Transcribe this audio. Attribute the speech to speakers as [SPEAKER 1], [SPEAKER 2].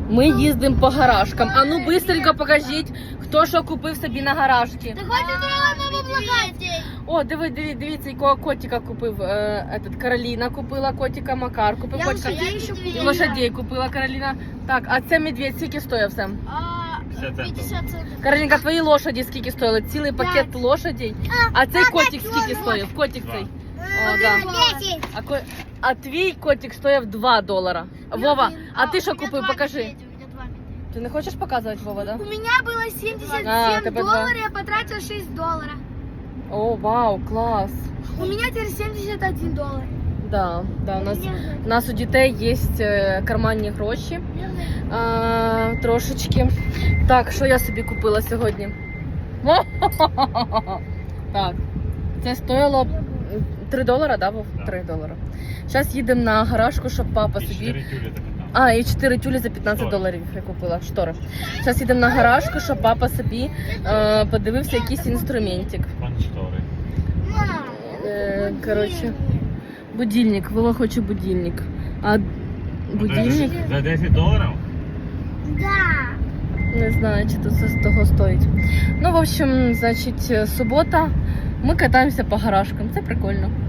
[SPEAKER 1] Ми їздимо по гаражкам. А ну быстренько покажіть, хто що купив собі на гаражці.
[SPEAKER 2] Ти хочеш мама благати?
[SPEAKER 1] О, дивіться, якого котика купив. Кароліна купила котика, Макар купив котика. І лошадей купила Кароліна. Так, а це медведь скільки стоїв все?
[SPEAKER 2] 50 центів.
[SPEAKER 1] Каролінка, твої лошаді скільки стоїли? Цілий пакет лошадей. А цей котик скільки стоїв? Котик цей. О, да.
[SPEAKER 2] 10.
[SPEAKER 1] А твій котик стоїв $2. Вова, а ти що купив? Покажи. Ти не хочеш показувати, Вова, да?
[SPEAKER 2] У меня было 77
[SPEAKER 1] тебе
[SPEAKER 2] долларов, я потратила 6 долларов.
[SPEAKER 1] О, вау, клас.
[SPEAKER 2] У меня теперь 71 доллар.
[SPEAKER 1] Да, у нас у дітей є карманні гроші. Трошечки. Так, що я собі купила сьогодні? Так, це стоїло $3, да, Вов? $3. Зараз їдемо на гаражку, щоб папа собі... І 4 тюлі за $15 я купила, штори. Зараз їдемо на гаражку, щоб папа собі подивився якийсь інструментик. Коротше, будильник, Вова хоче будильник. А будильник?
[SPEAKER 3] За $10?
[SPEAKER 2] Да.
[SPEAKER 1] Не знаю, чи це того стоїть. Ну, в общем, значить, субота. Ми катаємося по гаражкам, це прикольно.